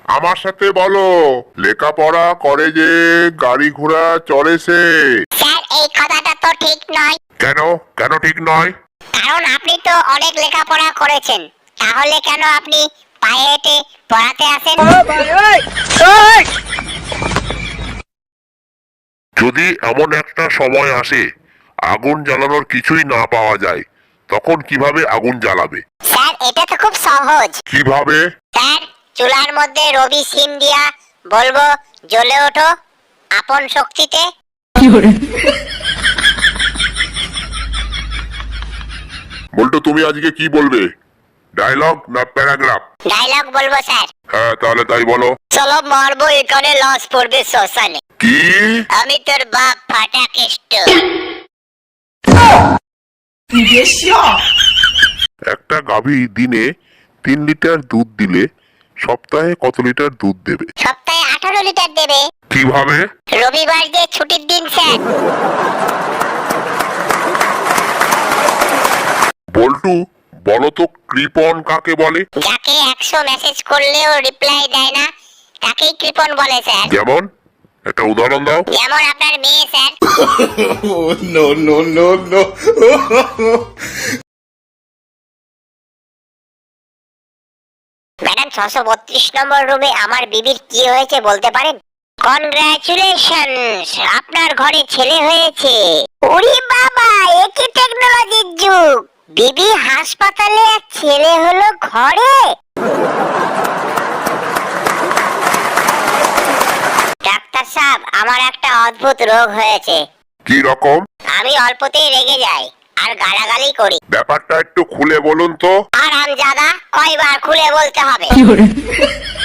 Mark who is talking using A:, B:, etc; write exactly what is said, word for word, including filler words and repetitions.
A: আমার সাথে বলো, লেখাপড়া করে যে গাড়ি ঘোড়া চড়ে সে।
B: স্যার এই কথাটা তো ঠিক নয়।
A: কেন কেন ঠিক নয়?
B: কারণ আপনি তো অনেক লেখাপড়া করেছেন, তাহলে কেন আপনি পায়ে হেঁটে পড়াতে আসেন?
A: যদি এমন একটা সময় আসে আগুন জ্বালানোর কিছুই না পাওয়া যায়, তখন কিভাবে আগুন জ্বালাবে?
B: স্যার এটা তো খুব সহজ।
A: কিভাবে?
B: স্যার চুলার মধ্যে রবি সিম দিয়া বলবো, জ্বলে ওঠো আপন শক্তিতে।
A: বলতো তুমি আজকে কি বলবে, ডায়লগ না প্যারাগ্রাফ?
B: ডায়লগ বলবো স্যার।
A: হ্যাঁ তাহলে তাই বলো।
B: চলো মারবো এখানে, লস পড়বে শ্মশানে।
A: কি?
B: আমি তোর বাপ ফাটা কেষ্ট।
A: একটা গাভী দিনে তিন লিটার দুধ দিলে সপ্তাহে কত লিটার দুধ দেবে?
B: সপ্তাহে আঠারো লিটার দেবে।
A: কিভাবে?
B: রবিবার যে ছুটির দিন স্যার।
A: বল্টু বলো তো কৃপণ কাকে বলে?
B: যাকে একশো মেসেজ করলেও রিপ্লাই দেয় না, তাকেই কৃপণ বলে স্যার।
A: যেমন একটা উদাহরণ দাও।
B: যেমন আপনার মেয়ে sir.
C: no, no, no, no.
B: Madam ছশো বত্রিশ নম্বর রুমে আমার বিবির কি হয়েছে বলতে পারেন? কনগ্রাচুলেশনস, আপনার ঘরে ছেলে হয়েছে। ওরে বাবা, এ কি টেকনোলজির যুগ! বিবি হাসপাতালে আর ছেলে হলো ঘরে। ডাক্তার সাহেব, আমার একটা অদ্ভুত রোগ হয়েছে।
A: কি রকম?
B: আমি অল্পতেই রেগে যাই আর গালাগালি করি।
A: ব্যাপারটা একটু খুলে বলুন তো।
B: আর আমজাদা, কয়বার খুলে বলতে হবে?